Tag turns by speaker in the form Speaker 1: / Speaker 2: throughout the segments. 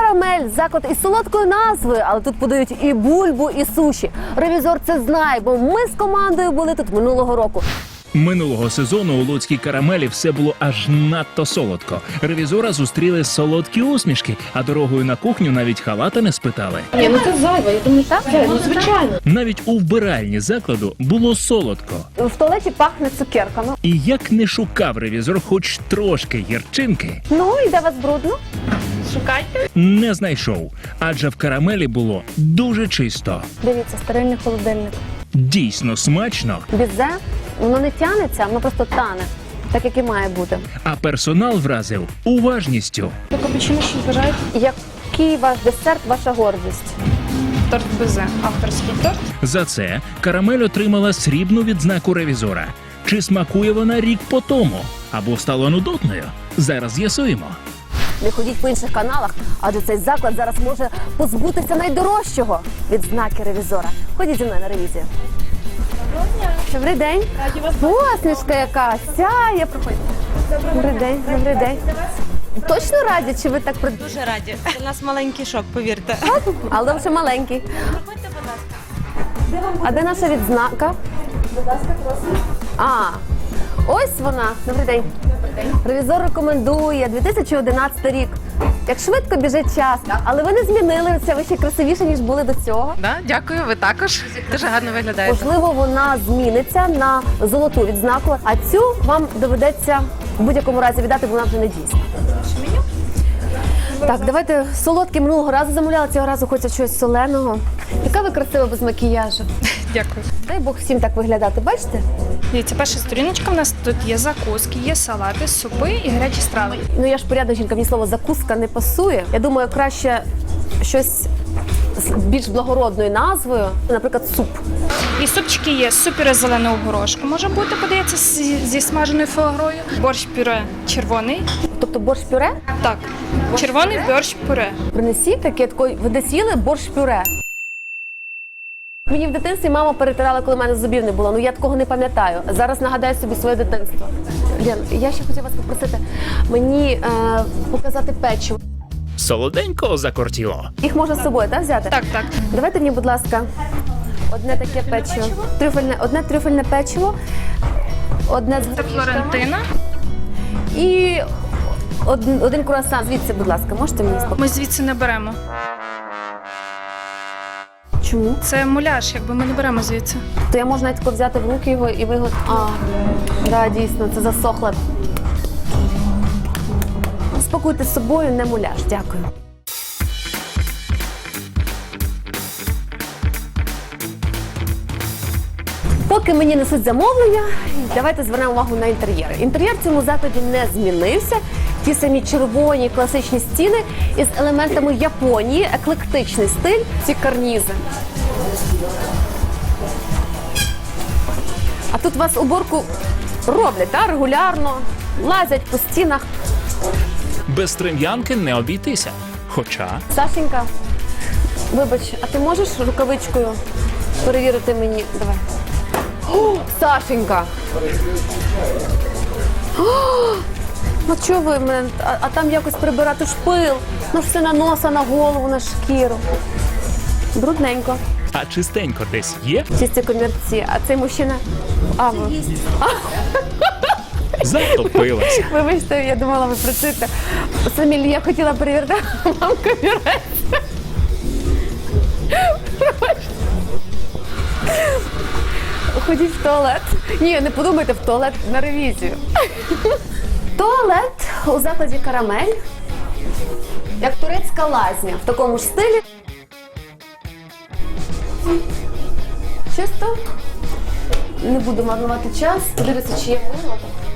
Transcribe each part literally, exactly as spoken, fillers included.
Speaker 1: Карамель – заклад із солодкою назвою, але тут подають і бульбу, і суші. Ревізор це знає, бо ми з командою були тут минулого року.
Speaker 2: Минулого сезону у Луцькій Карамелі все було аж надто солодко. Ревізора зустріли солодкі усмішки, а дорогою на кухню навіть халата не спитали.
Speaker 3: Ні, ну це зайве, я думаю, так, ну звичайно.
Speaker 2: Навіть у вбиральні закладу було солодко.
Speaker 1: В туалеті пахне цукерками.
Speaker 2: І як не шукав ревізор хоч трошки гірчинки,
Speaker 1: Ну, і де вас брудно?
Speaker 3: Шукайте.
Speaker 2: не знайшов. Адже в Карамелі було дуже чисто.
Speaker 1: Дивіться, стерильний холодильник.
Speaker 2: Дійсно смачно,
Speaker 1: Бізе, воно не тянеться, воно просто тане, так як і має бути.
Speaker 2: а персонал вразив уважністю.
Speaker 3: До капучино що бажаєте?
Speaker 1: Який ваш десерт, ваша гордість?
Speaker 3: Торт безе, авторський торт.
Speaker 2: За це Карамель отримала срібну відзнаку ревізора. Чи смакує вона рік по тому? Або стала нудотною? Зараз з'ясуємо.
Speaker 1: Не ходіть по інших каналах, адже цей заклад зараз може позбутися найдорожчого – відзнаки ревізора. Ходіть зі мною на ревізію. Добрий день.
Speaker 3: Раді вас
Speaker 1: Посмішка яка, сяє, проходьте. Добрий день, добрий день. Точно раді, чи ви так при...
Speaker 4: Дуже раді. Це у нас маленький шок, повірте.
Speaker 1: Але ви ще маленький.
Speaker 4: Проходьте, будь ласка.
Speaker 1: А де наша відзнака?
Speaker 3: Будь ласка, просимо.
Speaker 1: А, ось вона. Добрий день. Ревізор рекомендує дві тисячі одинадцятий рік. Як швидко біжить час, але ви не змінилися, ви ще красивіше, ніж були до цього.
Speaker 4: Да, дякую, ви також. Дуже гарно виглядаєте.
Speaker 1: Можливо, вона зміниться на золоту відзнаку, а цю вам доведеться в будь-якому разі віддати, бо вона вже не дійсна. Так, давайте солодке минулого разу замовляли, цього разу хочеться щось соленого. Яка ви красива без макіяжу.
Speaker 3: Дякую.
Speaker 1: Дай Бог всім так виглядати, бачите?
Speaker 3: Дивіться, перша сторіночка, у нас тут є закуски, є салати, супи і гарячі страви.
Speaker 1: Ну я ж порядна жінка, мені слово закуска не пасує. Я думаю, краще щось з більш благородною назвою, наприклад, суп.
Speaker 3: І супчики є, суп-пюре з зеленого горошку може бути, подається зі, зі смаженою фуагрою. Борщ-пюре червоний.
Speaker 1: Тобто борщ-пюре?
Speaker 3: Так, червоний борщ-пюре.
Speaker 1: Принесіть таке, такої, ви десь їли борщ-пюре? Мені в дитинстві мама перетирала, коли в мене зубів не було. Ну я такого не пам'ятаю. Зараз нагадаю собі своє дитинство. Лен, я ще хотіла вас попросити мені е, показати печиво.
Speaker 2: Солоденького закортіло.
Speaker 1: Їх можна з собою, так, взяти?
Speaker 3: Так, так.
Speaker 1: Давайте мені, будь ласка, одне таке печиво. Трюфельне, одне трюфельне печиво, одне з
Speaker 3: Це Флорентина.
Speaker 1: і один, один круасан. Звідси, будь ласка, можете мені спокійно?
Speaker 3: Ми звідси не беремо.
Speaker 1: Чому?
Speaker 3: Це муляж, якби ми не беремо звідси.
Speaker 1: То я можу навіть тако взяти в руки його і вигод... А, да, дійсно, це засохло. Спокуйте з собою, не муляж. Дякую. Поки мені несуть замовлення, давайте звернемо увагу на інтер'єр. Інтер'єр в цьому закладі не змінився. Ті самі червоні класичні стіни із елементами Японії, еклектичний стиль, ці карнізи. А тут вас уборку роблять, да, регулярно, лазять по стінах.
Speaker 2: Без трем'янки не обійтися. Хоча
Speaker 1: Сашенька, вибач, а ти можеш рукавичкою перевірити мені? Давай. О, Сашенька! О, ну чого ви мене? А, а там якось прибирати ж пил. Ну ж все на носа, на голову, на шкіру. Брудненько.
Speaker 2: а чистенько десь є?
Speaker 1: Чисті комірці. А цей мужчина... А, ви...
Speaker 2: Затопилася.
Speaker 1: Вибачте, я думала, ви працюєте. Самі я хотіла перевірити, а вам комірець. Ходіть в туалет. Ні, не подумайте, в туалет на ревізію. Туалет у закладі Карамель, як турецька лазня, в такому ж стилі. Чисто. Не буду марнувати час. Подивіться, чи є мило.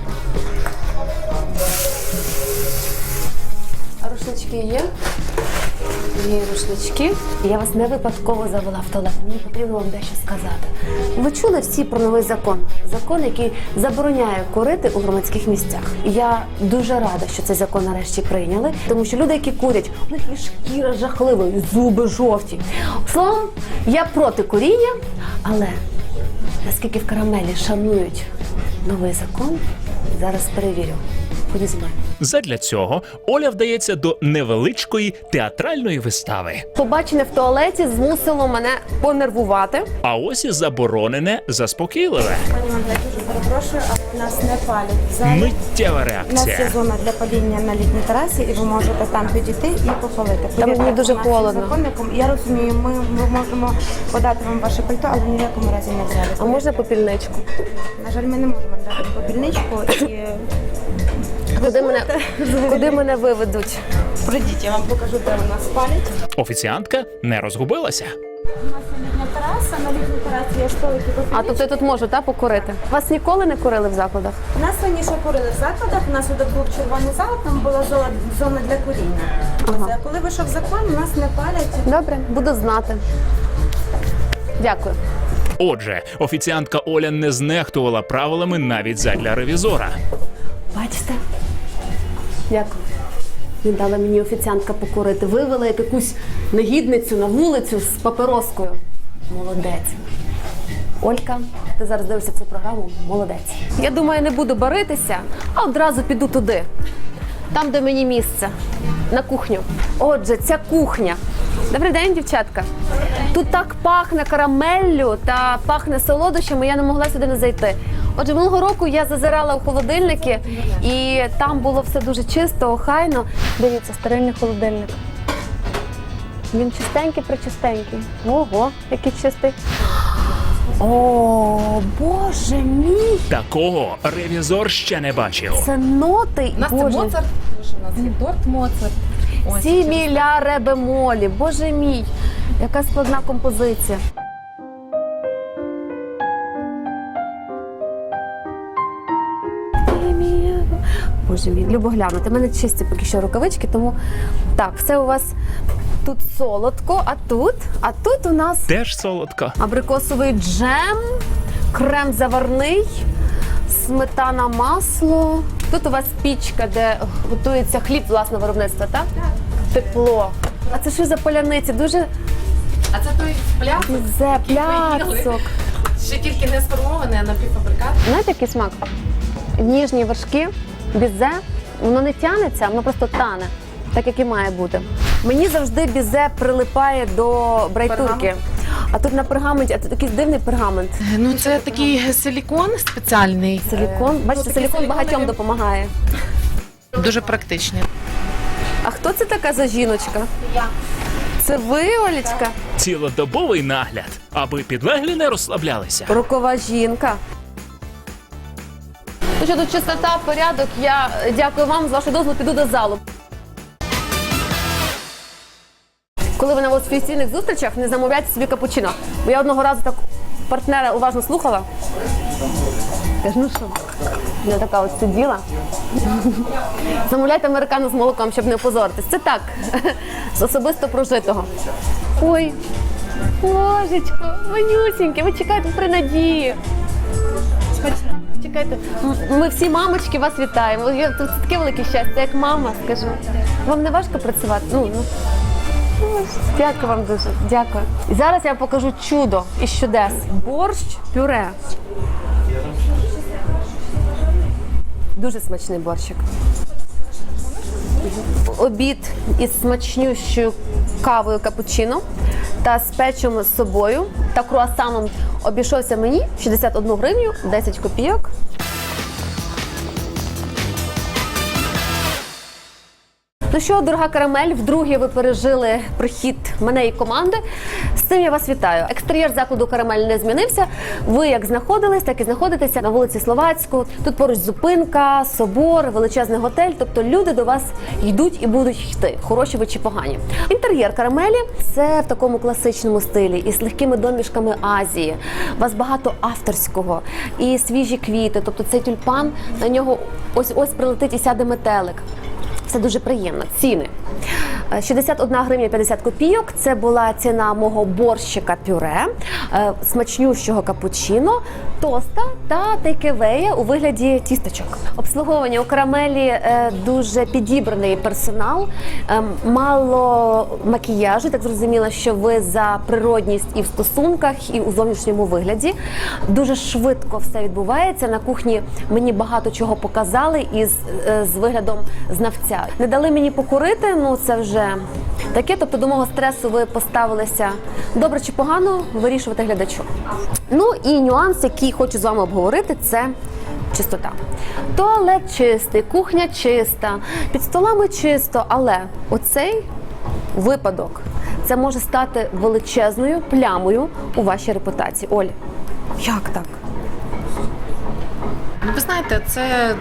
Speaker 1: А рушнички є? Є рушнички. Я вас не випадково завела в туалет. Мені потрібно вам дещо сказати. Ви чули всі про новий закон? Закон, який забороняє курити у громадських місцях. Я дуже рада, що цей закон нарешті прийняли, тому що люди, які курять, у них є шкіра жахлива, і зуби жовті. Словом, я проти куріння, але наскільки в Карамелі шанують новий закон, зараз перевірю. Ходіть зі мною.
Speaker 2: Задля цього Оля вдається до невеличкої театральної вистави.
Speaker 1: Побачене в туалеті змусило мене понервувати.
Speaker 2: А ось і заборонене заспокійливе.
Speaker 5: Пані Мандля, дуже перепрошую, але у нас не палять в залі.
Speaker 2: Миттєва
Speaker 5: У нас є
Speaker 2: реакція.
Speaker 5: зона для паління на літній терасі, і ви можете там підійти і попалити.
Speaker 1: Там мені
Speaker 5: Повірте,
Speaker 1: дуже
Speaker 5: нашим
Speaker 1: холодно.
Speaker 5: законникам, я розумію, ми, ми можемо подати вам ваше пальто, але ні в якому разі не взяли.
Speaker 1: А можна попільничку?
Speaker 5: На жаль, ми не можемо дати попільничку і
Speaker 1: Куди мене, куди мене виведуть?
Speaker 5: пройдіть, я вам покажу, де у нас палять.
Speaker 2: Офіціантка не розгубилася.
Speaker 5: У нас є літня тераса, на літній терасі є столики
Speaker 1: А
Speaker 5: попільнички.
Speaker 1: тобто я тут можу, так, покурити? Вас ніколи не курили в закладах?
Speaker 5: У нас раніше курили в закладах, у нас тут був червоний зал, там була зона, зона для куріння.
Speaker 1: Ага.
Speaker 5: А коли вийшов закон, у нас не палять.
Speaker 1: Добре, буду знати. Дякую.
Speaker 2: Отже, офіціантка Оля не знехтувала правилами навіть задля ревізора.
Speaker 1: Бачите? Дякую. Не дала мені офіціантка покурити. Вивела як якусь негідницю на вулицю з папероскою. Молодець. Олька, ти зараз дивишся цю програму. Молодець. Я думаю, не буду баритися, а одразу піду туди. Там, де мені місце. На кухню. Отже, ця кухня. Добрий день, дівчатка. Тут так пахне карамеллю та пахне солодощами, я не могла сюди не зайти. Отже, минулого року я зазирала у холодильники, і там було все дуже чисто, охайно. Дивіться, стерильний холодильник. Він чистенький, причистенький. Ого, який чистий. О, Боже мій!
Speaker 2: Такого ревізор ще не бачив.
Speaker 1: Це ноти,
Speaker 4: У нас це
Speaker 1: Боже.
Speaker 4: Моцарт, у нас є торт Моцарт. Ось.
Speaker 1: Сі міля ре бемолі. Боже мій, яка складна композиція. Сі міля. Боже мій, любо глянути. У мене чисті поки що рукавички, тому так, все у вас тут солодко, а тут, а тут у нас
Speaker 2: Теж солодко.
Speaker 1: абрикосовий джем, крем заварний, сметана, масло. Тут у вас пічка, де готується хліб власного виробництва, так? Так. Тепло. А це що за поляниці? Дуже
Speaker 4: А це той пляцок,
Speaker 1: зе пляцок.
Speaker 4: ще тільки не сформований, а напівфабрикат.
Speaker 1: Знаєте, який смак? Ніжні вершки, бізе, воно не тянеться, воно просто тане, так як і має бути. Мені завжди бізе прилипає до брайтурки. А тут на пергаменті, а тут якийсь дивний пергамент.
Speaker 6: Ну, це такий силікон спеціальний.
Speaker 1: Силікон. Бачите,
Speaker 6: такий
Speaker 1: силікон
Speaker 6: силіконовий.
Speaker 1: багатьом допомагає.
Speaker 6: Дуже практичний.
Speaker 1: А хто це така за жіночка? Я. Це ви, Олечка?
Speaker 2: Цілодобовий нагляд, аби підлеглі не розслаблялися.
Speaker 1: Рокова жінка. Ну що, тут чистота, порядок. Я дякую вам, з вашого дозволу піду до залу. Коли ви на офіційних зустрічах, не замовляйте собі капучино. Бо я одного разу так партнера уважно слухала. Кажу, ну що? Я така от сиділа. Замовляйте американо з молоком, щоб не опозоритись. Це так, з особисто прожитого. Ой, Божечко, манюсіньке, ви чекайте при надії. Чекайте, м- ми всі мамочки вас вітаємо. Я- Це таке велике щастя, як мама, скажу. Вам не важко працювати? Ну, ну. Ой, Дякую вам дуже, дякую. І зараз я вам покажу чудо із чудес. Борщ пюре. Дуже смачний борщик. Обід із смачнющою кавою капучино та з печем з собою та круасаном обійшовся мені шістдесят одну гривню десять копійок. Ну що, дорога карамель, вдруге ви пережили прихід мене і команди. З цим я вас вітаю. Екстер'єр закладу «Карамель» не змінився. Ви як знаходились, так і знаходитеся на вулиці Словацьку. Тут поруч зупинка, собор, величезний готель. Тобто люди до вас йдуть і будуть йти, хороші ви чи погані. Інтер'єр «Карамелі» – це в такому класичному стилі із легкими домішками Азії. У вас багато авторського і свіжі квіти. Тобто цей тюльпан, на нього ось-ось прилетить і сяде метелик. Все дуже приємно. Ціни. шістдесят одна гривня п'ятдесят копійок. Це була ціна мого борщика пюре, е, смачнющого капучино, тоста та тейкевея у вигляді тістечок. Обслуговування у карамелі е, дуже підібраний персонал, е, мало макіяжу, так зрозуміло, що ви за природність і в стосунках, і у зовнішньому вигляді. Дуже швидко все відбувається. На кухні мені багато чого показали із е, з виглядом знавця. Не дали мені покурити, ну це вже таке. Тобто до мого стресу ви поставилися добре чи погано, вирішувати глядачу. Ну і нюанс, який хочу з вами обговорити, це чистота. Туалет чистий, кухня чиста, під столами чисто, але оцей випадок, це може стати величезною плямою у вашій репутації. Оль, як так?
Speaker 6: Ну, ви знаєте, це.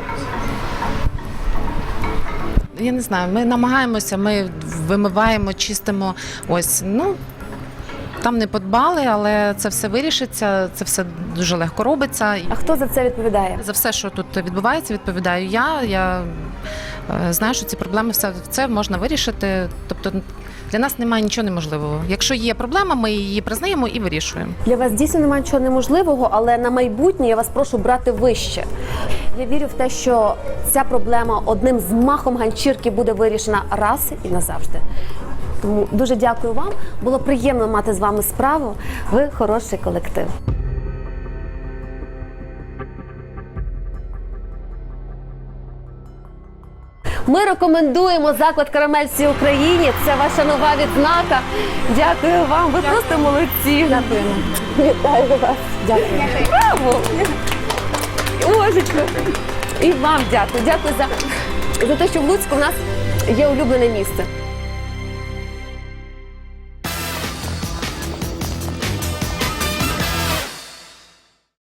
Speaker 6: Я не знаю, ми намагаємося, ми вимиваємо, чистимо. Ось, ну, там не подбали, але це все вирішиться, це все дуже легко робиться.
Speaker 1: А хто за це відповідає?
Speaker 6: За все, що тут відбувається, відповідаю я. Я е, знаю, що ці проблеми все це можна вирішити. Тобто для нас немає нічого неможливого. Якщо є проблема, ми її признаємо і вирішуємо.
Speaker 1: Для вас дійсно немає нічого неможливого, але на майбутнє я вас прошу брати вище. Я вірю в те, що ця проблема одним змахом ганчірки буде вирішена раз і назавжди. Тому дуже дякую вам. Було приємно мати з вами справу. Ви хороший колектив. Ми рекомендуємо заклад «Карамель» всій Україні. Це ваша нова відзнака. Дякую вам. Ви просто молодці. Дякуємо. Вітаю вас. Дякую. Браво! Божечко. І вам дякую. Дякую за, за те, що в Луцьку в нас є улюблене місце.